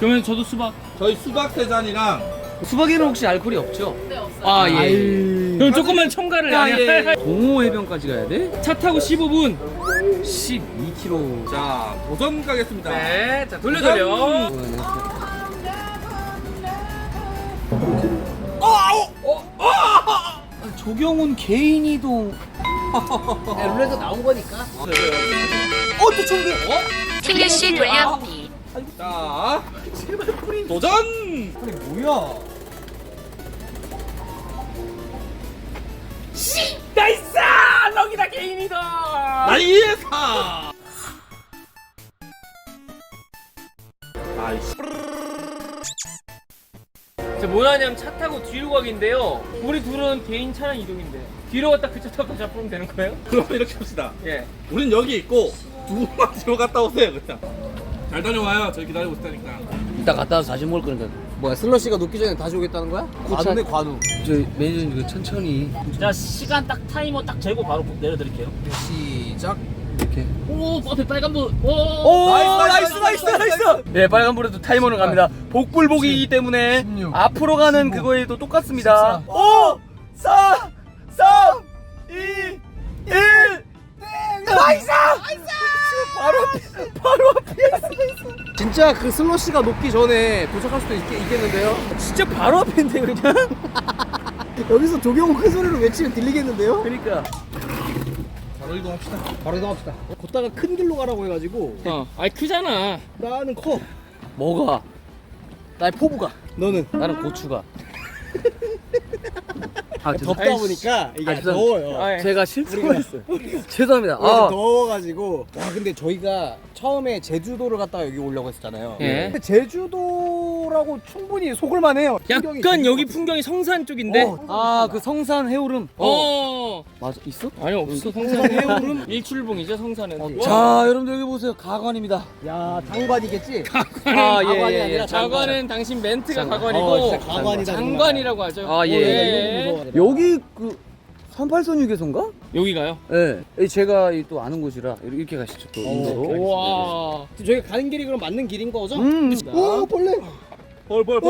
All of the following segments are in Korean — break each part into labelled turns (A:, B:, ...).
A: 그러면 저도 수박.
B: 저희 수박 3잔이랑
C: 수박에는 혹시 알코올이 없죠?
D: 네, 없어요.
A: 아 예. 그럼 조금만 첨가를 해.
C: 동호 해변까지 가야 돼?
A: 차 타고 15분.
C: 12km.
B: 자 도전 가겠습니다.
A: 네, 자 돌려.
C: 조경훈 개인 이동. 룰에서 나온 거니까. 또 총기.
D: 튕규 씨 돌려보기.
B: 자 도전.
C: 아니 뭐야?
A: 나이스! 럭이다 개인이다.
B: 나이스. 아이씨.
A: 저 뭐하냐면 차 타고 뒤로 가기인데요. 우리 둘은 개인 차량 이동인데 뒤로 갔다 그 차 타고 다시 앞으로 오면 되는 거예요?
B: 그럼 이렇게 합시다.
A: 예.
B: 우린 여기 있고 두 분만 뒤로 갔다 오세요 그냥. 잘 다녀와요. 저희 기다리고 있을 테니까.
C: 이따 갔다 와서 다시 먹을 거니까. 뭐야 슬러시가 녹기 전에 다시 오겠다는 거야? 관우네 관우. 저 매니저님 이거 천천히
E: 자 시간 딱 타이머 딱 재고 바로 내려드릴게요.
C: 시작. 이렇게.
E: 오 앞에 빨간불.
C: 오 나이스. 네 빨간불에도 타이머는 갑니다. 복불복이기 때문에 16, 앞으로 가는 15, 그거에도 똑같습니다. 14, 5, 4, 3, 2, 1. 나이스! 바로 앞에 진짜 그 슬러시가 녹기 전에 도착할 수도 있겠는데요? 진짜 바로 앞인데 그냥? 여기서 조경호 큰 소리로 외치면 들리겠는데요? 그러니까
B: 바로 이동합시다.
C: 바로 이동합시다. 걷다가 큰 길로 가라고 해가지고
A: 아니 크잖아.
C: 나는 커. 뭐가? 나의 포부가. 너는? 나는 고추가. 덥다 보니까 이게 더워요.
A: 제가
C: 실수를 했어요. 죄송합니다. 더워가지고. 와 근데 저희가 처음에 제주도를 갔다가 여기 오려고 했었잖아요.
A: 예.
C: 근데 제주도라고 충분히 속을만 해요.
A: 약간 여기 풍경이 성산 쪽인데.
C: 그 성산 해오름. 맞아 있어?
A: 아니 없어. 성산 해오름 일출봉이죠 성산은.
C: 자 여러분들 여기 보세요. 가관입니다. 야 장관이겠지? 가관이 아니라
A: 자관은 당신 멘트가 가관이고
C: 진짜 가관이다,
A: 장관이라고 하죠.
C: 예. 여기 그 38선 휴게소인가?
A: 여기가요?
C: 네. 제가 또 아는 곳이라 이렇게 가시죠 또 인도로.
A: 와.
C: 저희가 가는 길이 그럼 맞는 길인 거죠?
A: 오,
C: 벌레.
A: 벌.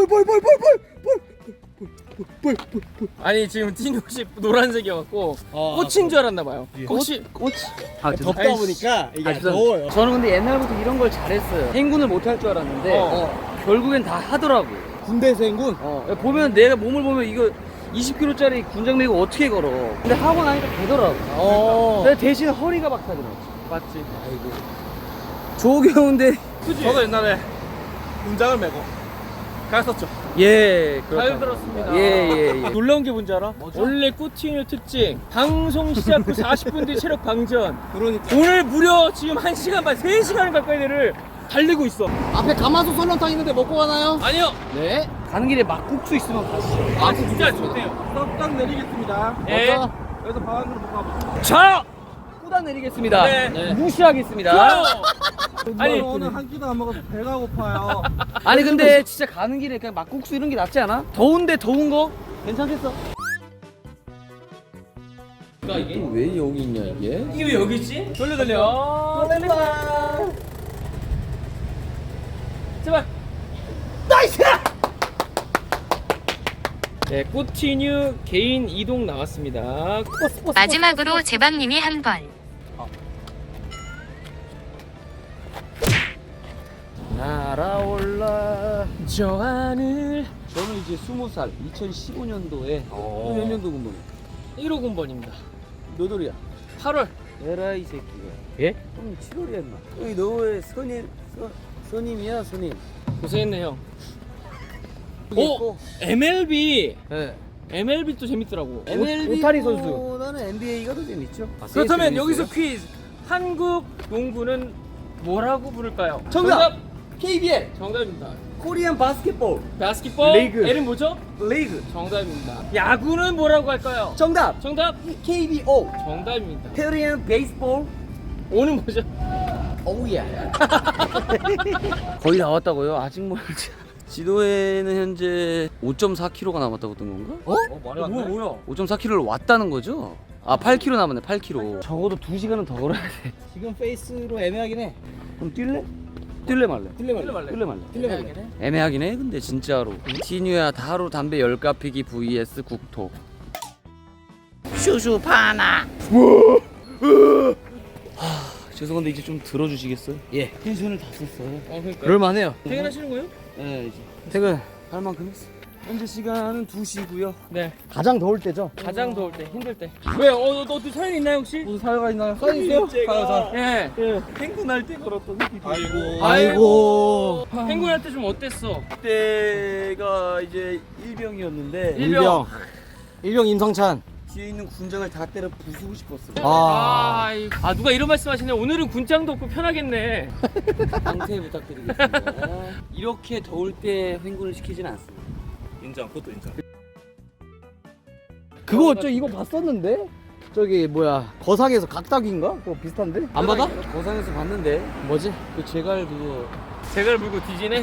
A: 아니 지금 틴옷이 노란색이어갖고 꽃인 줄 알았나 봐요. 혹시
C: 꽃?
A: 덥다
C: 보니까 이게 더워요. 저는 근데 옛날부터 이런 걸 잘했어요. 행군을 못 할 줄 알았는데 결국엔 다 하더라고요. 군대에서 행군? 보면 내가 몸을 보면 이거 20kg짜리 군장 메고 어떻게 걸어. 근데 하고 나니까 되더라고. 근데 대신 허리가 박사더라고.
A: 맞지?
C: 아이고. 조경훈데.
B: 저도 옛날에 군장을 메고 갔었죠.
C: 예.
A: 잘 들었습니다.
C: 예.
A: 놀라운 게 뭔지 알아? 원래 꾸티뉴 특징 방송 시작 후 40분 뒤 체력 방전.
B: 그러니까
A: 오늘 무려 지금 1시간 반 3시간 가까이 되를 달리고 있어.
C: 앞에 가마솥 설렁탕 있는데 먹고 가나요?
A: 아니요.
C: 네. 가는 길에 막국수 있으면 가시죠.
A: 아 진짜 좋대요.
B: 썩딱 내리겠습니다.
A: 예.
B: 여기서 방안으로 못 가보죠.
A: 자.
C: 후다 내리겠습니다.
A: 네.
C: 무시하겠습니다.
A: 좋아요.
B: 아니 오늘 한 끼도 안 먹어서 배가 고파요.
C: 아니 근데 진짜 가는 길에 그냥 막국수 이런 게 낫지 않아? 더운데 더운 거 괜찮겠어?
A: 이게
C: 왜 여기 있냐 이게?
A: 이게 왜 여기 있지? 돌려. 제발.
C: 나이스!
A: 네, 꾸티뉴 개인 이동 나왔습니다.
D: 마지막으로 제방님이 한 번.
C: 날아올라.
A: 저 하늘.
C: 저는 이제 20살 2015년도에 몇 년도 군번이야?
A: 1호 군번입니다.
C: 몇 월이야?
A: 8월.
C: 에라 이 새끼가.
A: 예?
C: 형 7월이야 임마. 여기 너의 선임이야 선임.
A: 고생했네 형.
C: 오!
A: MLB.
C: 네.
A: MLB도 재밌더라고.
C: 오타니 선수. 나는 NBA가 더 재밌죠.
A: 그렇다면 여기서 퀴즈. 한국 농구는 뭐라고 부를까요?
C: 정답! KBL
A: 정답입니다.
C: 코리안 바스켓볼
A: 바스켓볼.
C: 리그.
A: L은 뭐죠?
C: 리그.
A: 정답입니다. 야구는 뭐라고 할까요?
C: 정답!
A: 정답.
C: KBO
A: 정답입니다.
C: 코리안 베이스볼.
A: 오는 뭐죠?
C: 오우야. 거의 나왔다고요? 아직 멀지. 지도에는 현재 5.4km가 남았다고 뜬 건가?
A: 뭐야?
C: 5.4km를 왔다는 거죠? 아 8km 남았네 8km. 적어도 2시간은 더 걸어야 돼. 지금 페이스로 애매하긴 해. 그럼 뛸래? 뛸래 말래?
A: 뛸래 말래?
C: 뛸래 말래? 애매하긴 해 근데 진짜로. 티뉴야 하루 담배 10가 피기 vs 국토. 슈슈 파나. 죄송한데 이제 좀 들어주시겠어요? 예. 텐션을 다 썼어요.
A: 그러니까.
C: 그럴만해요.
A: 퇴근하시는 거예요?
C: 네 이제 퇴근 할 만큼 했어. 현재 시간은 2시고요.
A: 네.
C: 가장 더울 때죠?
A: 가장 더울 때, 힘들 때. 왜요? 너도 사연 있나요 혹시?
C: 무슨 사유가 있나요? 사유 있어요? 사유.
A: 예.
C: 행군할 때 걸었던
B: 아이고.
C: 아이고.
A: 행군할 때 좀 어땠어?
C: 그때가 이제 일병이었는데
A: 일병.
C: 임성찬 뒤에 있는 군장을 다 때려 부수고 싶었어요.
A: 아, 누가 이런 말씀하시네. 오늘은 군장도 없고 편하겠네.
C: 강퇴 부탁드리겠습니다. 이렇게 더울 때 횡군을 시키진 않습니다.
B: 인정. 그것도 인정.
C: 그거 이거 봤었는데? 저기 뭐야 거상에서 각닭인가? 그거 비슷한데? 안 받아? 거상에서 봤는데 뭐지? 그 제갈 그거
A: 제갈 물고 뒤지네.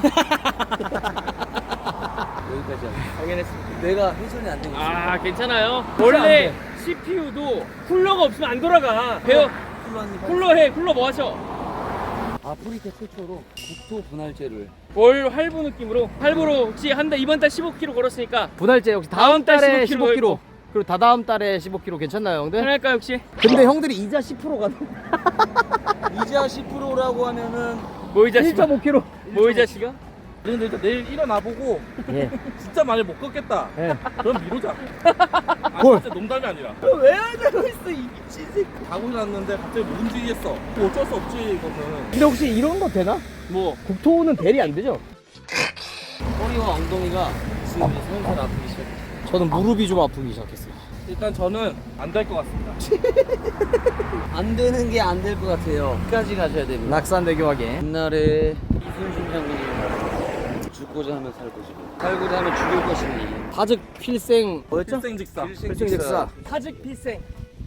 C: 여기까지 하고
A: 확인했습니다.
C: 내가 회전이 안 되고 있어.
A: 아, 괜찮아요. 원래 CPU도 쿨러가 없으면 안 돌아가. 배워. 쿨러 뭐 하셔?
C: 아프리카 최초로 국토 분할제를
A: 월 할부 느낌으로. 할부로 혹시 이번 달 15km 걸었으니까
C: 분할제 혹시
A: 다음 달에 15kg.
C: 그리고 다다음 달에 15kg 괜찮나요 형들?
A: 편할까 혹시?
C: 근데 형들이 이자 10%가 이자 10%라고 하면은
A: 뭐 이 자식아?
C: 1.5kg
A: 뭐 이 자식아?
B: 근데 일단 내일 일어나보고
C: 예.
B: 진짜 많이 못 걷겠다.
C: 예.
B: 그럼 미루자.
C: 헐.
B: 진짜 농담이 아니라.
C: 왜 하자고 있어 이 미친 새끼.
B: 자고 일어났는데 갑자기 못 움직이겠어. 뭐 어쩔 수 없지 이거는.
C: 근데 혹시 이런 거 되나?
A: 뭐?
C: 국토는 대리 안 되죠? 허리와 엉덩이가 지금 이제 살살 아프기 시작했어요. 저는 무릎이 좀 아프기 시작했어요.
B: 일단 저는 안 될 것 같습니다.
C: 안 되는 게 안 될 것 같아요. 끝까지 가셔야 됩니다. 낙산대교 확인. 옛날에 이순신 장군이 죽고자 하면 살 것이고 살고자 하면 죽을 것이니 파즉 필생 뭐였죠?
B: 필생직사.
C: 필생즉사.
A: 사직 필생.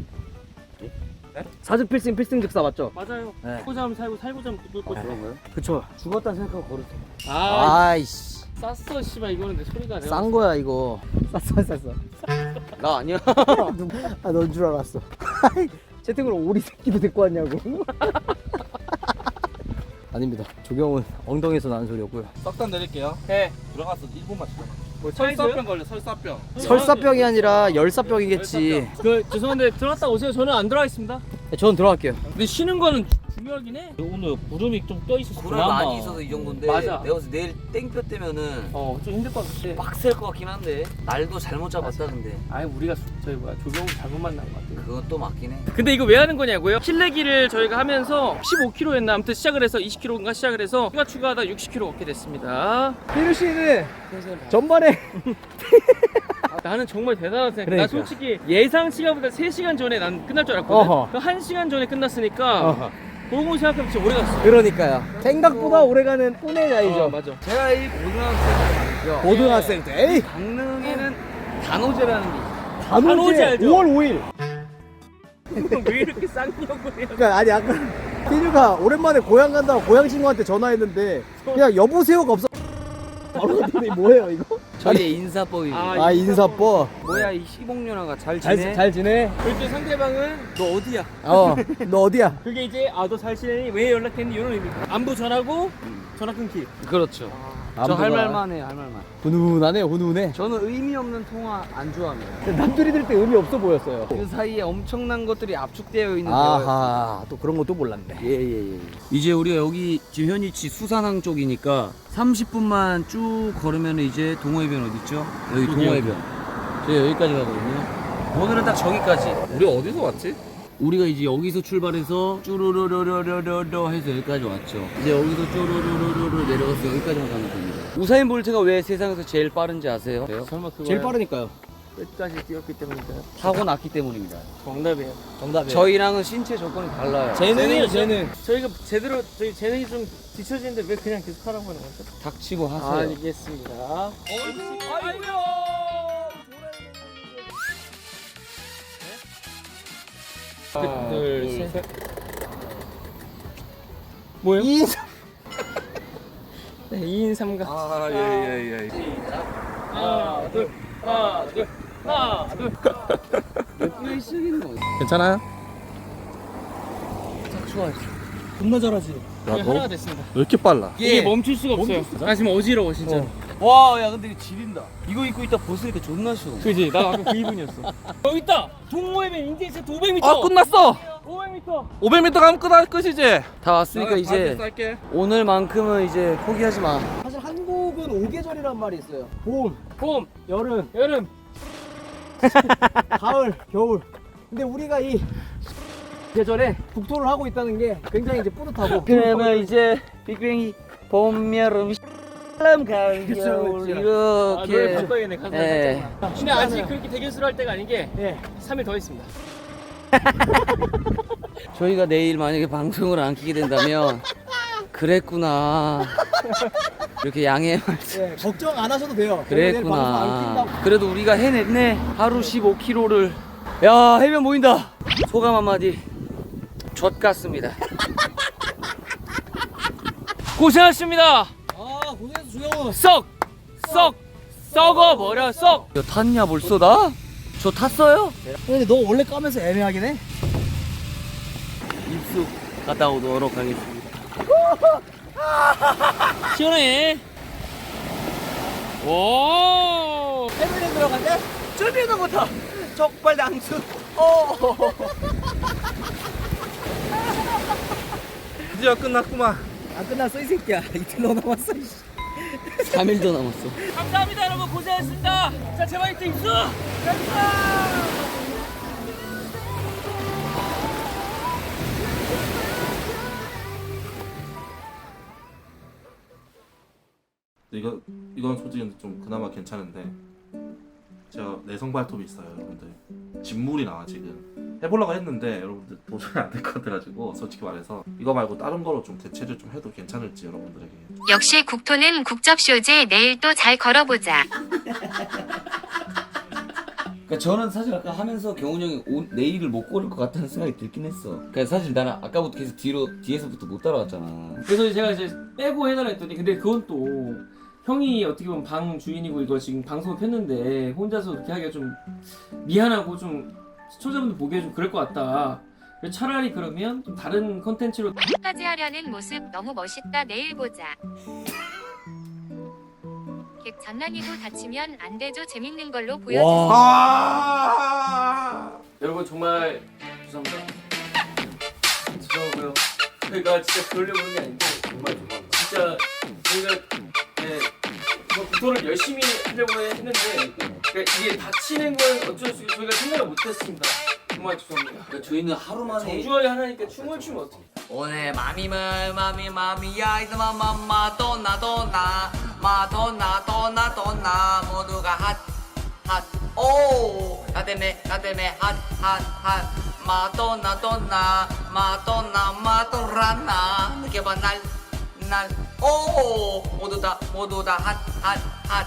C: 사즉 필생 필생즉사 맞죠?
A: 맞아요.
C: 네.
A: 살고자 하면 살고 살고자 하면 죽을 거죠.
C: 그런가요? 그쵸. 죽었다는 생각하고 걸으세요.
A: 아이씨.
C: 아이씨.
A: 쌌어 씨발 이거는 내 소리가 내가
C: 싼 거야 이거. 쌌어. 나 아니야. 아, 넌 줄 알았어. 채팅으로 오리 새끼도 데리고 왔냐고. 아닙니다. 조경은 엉덩이에서 나는 소리였고요.
B: 싹다 내릴게요.
A: 해.
B: 들어가서 1분만 기다려.
A: 뭐
B: 설사병 걸려. 설사병.
C: 설사병이 아니라 열사병이겠지.
A: 죄송한데 들어갔다 오세요. 저는 안 들어가겠습니다.
C: 전 들어갈게요.
A: 근데 쉬는 거는 중요하긴 해.
E: 오늘 구름이 좀 떠 있어서
C: 구름 많이 있어서 이 정도인데
A: 맞아.
C: 내가 봤을 때 내일 땡볕 때면은
A: 좀 힘들 것 같아.
C: 빡셀 것 같긴 한데 날도 잘못 잡았다 근데
A: 아니 우리가 조경을 잘못 만난 것 같아.
C: 그건 또 맞긴 해.
A: 근데 이거 왜 하는 거냐고요? 실내기를 저희가 하면서 15km였나 아무튼 시작을 해서 20km인가 시작을 해서 추가하다 60km 걷게 됐습니다.
C: 피누 씨는 전반에
A: 나는 정말 대단하다 생각해.
C: 그러니까.
A: 나 솔직히 예상 시간보다 3시간 전에 난 끝날 줄 알았거든.
C: 어허.
A: 그 1시간 전에 끝났으니까 그러고 생각하면 진짜 오래 갔어.
C: 그러니까요. 생각보다 오래가는 꾼의자이죠.
A: 맞아.
C: 제가 이 고등학생 말이죠. 고등학생 때 에이 강릉에는 단오제라는 게 있어요.
A: 단오제 알죠?
C: 5월 5일.
A: 왜 이렇게 쌍욕을 해요?
C: 그러니까 아니 아까 피누가 오랜만에 고향 간다고 고향 친구한테 전화했는데 그냥 여보세요가 없어. 바로 갔더니 뭐예요 이거? 저희 인사법입니다.
A: 아,
C: 인사법. 뭐야 이 시봉년아가 잘 지내? 잘 지내?
A: 그때 상대방은 너 어디야?
C: 너 어디야?
A: 그게 이제 너 잘 지내니? 왜 연락했니? 이런 의미입니다. 안부 전하고 전화 끊기.
C: 그렇죠. 저 할 말만 해, 할 말만. 훈훈하네요, 훈훈해. 저는 의미 없는 통화 안 좋아합니다. 남들이 들 때 의미 없어 보였어요. 그 사이에 엄청난 것들이 압축되어 있는 아하, 또 그런 것도 몰랐네. 예. 이제 우리가 여기 지금 현위치 수산항 쪽이니까 30분만 쭉 걸으면 이제 동호회변 어디 있죠? 여기 동호회변. 저희 여기까지 가거든요. 오늘은 딱 저기까지.
B: 우리 어디서 왔지?
C: 우리가 이제 여기서 출발해서 쭈루루루루루루루 해서 여기까지 왔죠. 이제 여기서 쭈루루루루루 내려가서 여기까지만 가면 됩니다. 우사인 볼트가 왜 세상에서 제일 빠른지 아세요?
A: 설마 그거
C: 제일 빠르니까요.
A: 끝까지 뛰었기 때문인가요?
C: 타고 났기 때문입니다.
A: 정답이에요.
C: 저희랑은 신체 조건이 달라요.
A: 재능이에요, 재능. 저희가 제대로 저희 재능이 좀 뒤처지는데 왜 그냥 계속 하라고 하는 거죠?
C: 닥치고 하세요.
A: 알겠습니다. 아이고야. 하나, 둘, 셋. 뭐요? 2인 2인 3각.
B: 아, 예.
A: 하나, 둘, 하나, 둘, 하나, 둘.
C: 몇 분에 시작이는 거예요?
B: 괜찮아요?
C: 딱 좋아요. 겁나 잘하지.
B: 야,
A: 이게
B: 너
A: 하나가
B: 왜
A: 됐습니다.
B: 이렇게 빨라?
A: 이게 멈출 수가 없어요. 나 지금 어지러워 진짜.
C: 와, 야, 근데 이거 지린다. 이거 입고 있다 벗으니까 존나 쉬워.
A: 그지? 나 아까 그 기분이었어. 여기 있다. 동호회면 인제이센터 500m.
B: 아, 끝났어.
A: 500m.
B: 500m 가면 끝이지.
C: 다 왔으니까 이제
B: 쌀게.
C: 오늘만큼은 이제 포기하지 마. 사실 한국은 5계절이란 말이 있어요. 봄,
A: 봄,
C: 여름,
A: 여름.
C: 가을, 겨울. 근데 우리가 이 계절에 국토를 하고 있다는 게 굉장히 이제 뿌듯하고. 그러면 이제 빅뱅이 봄, 여름, 가을, 겨울
A: 아, 노래
C: 이렇게.
A: 바꿔야겠네. 가사
C: 예.
A: 살짝만. 근데 아직 그렇게 대결수를 할 때가 아닌 게
C: 예.
A: 3일 더 있습니다.
C: 저희가 내일 만약에 방송을 안 키게 된다면 그랬구나. 이렇게 양해 말씀.
F: 네, 걱정 안 하셔도 돼요.
C: 그랬구나. 그래도 우리가 해냈네. 하루 15km를. 야, 해변 보인다. 소감 한마디. 젖 같습니다.
A: 고생하셨습니다.
F: 아, 고생했어, 주영은.
A: 썩어 버려 썩.
C: 야, 탔냐 벌써 나? 저 탔어요?
F: 근데 너 원래 까면서 애매하긴 해.
C: 입수 갔다 오도록 하겠습니다.
A: 시원해. 오.
F: 해변에 들어간대?
C: 준비도 못하. 적발 당수.
B: 드디어 끝났구만.
F: 안 끝났어, 이 새끼야. 이틀 더 남았어, 이씨.
C: 3일 더 남았어.
A: 감사합니다 여러분 고생했습니다. 자 제발 이때 입수.
B: 이건 솔직히 좀 그나마 괜찮은데 제가 내성 발톱이 있어요, 여러분들. 진물이 나와 지금. 해보려고 했는데 여러분들 도저히 안 될 것 같아가지고 솔직히 말해서 이거 말고 다른 거로 좀 대체를 좀 해도 괜찮을지 여러분들에게.
D: 역시 국토는 국접쇼제 내일 또 잘 걸어보자.
C: 그러니까 저는 사실 아까 하면서 경훈 형이 내일을 못 고를 것 같다는 생각이 들긴 했어. 그러니까 사실 나는 아까부터 계속 뒤에서부터 못 따라왔잖아.
A: 그래서 제가 이제 빼고 해달라 했더니 근데 그건 또 형이 어떻게 보면 방 주인이고 이거 지금 방송을 폈는데 혼자서 그렇게 하기가 좀 미안하고 좀 시청자분들 보기에 좀 그럴 것 같다. 그래서 차라리 그러면 좀 다른 컨텐츠로
D: 까지 하려는 모습 너무 멋있다. 내일 보자. 객 장난이고 다치면 안 되죠. 재밌는 걸로 보여주세요.
A: 여러분 정말 죄송합니다. 죄송하고요. 저희가 진짜 그러려고 하는 게 아닌데 정말 진짜 저희가 국토를 열심히 하려고 했는데 그러니까 이게 다치는 건 어쩔 수 없이 저희가 생각을 못했습니다. 정말 죄송합니다.
C: 그러니까 저희는 하루 만에
A: 정중하게 하나니까 춤을 추면 어떡해.
C: 오늘 마미야 이제 마돈나 모두가 핫오 나 때문에 핫 마돈나 느껴봐 날 오 모두 다 핫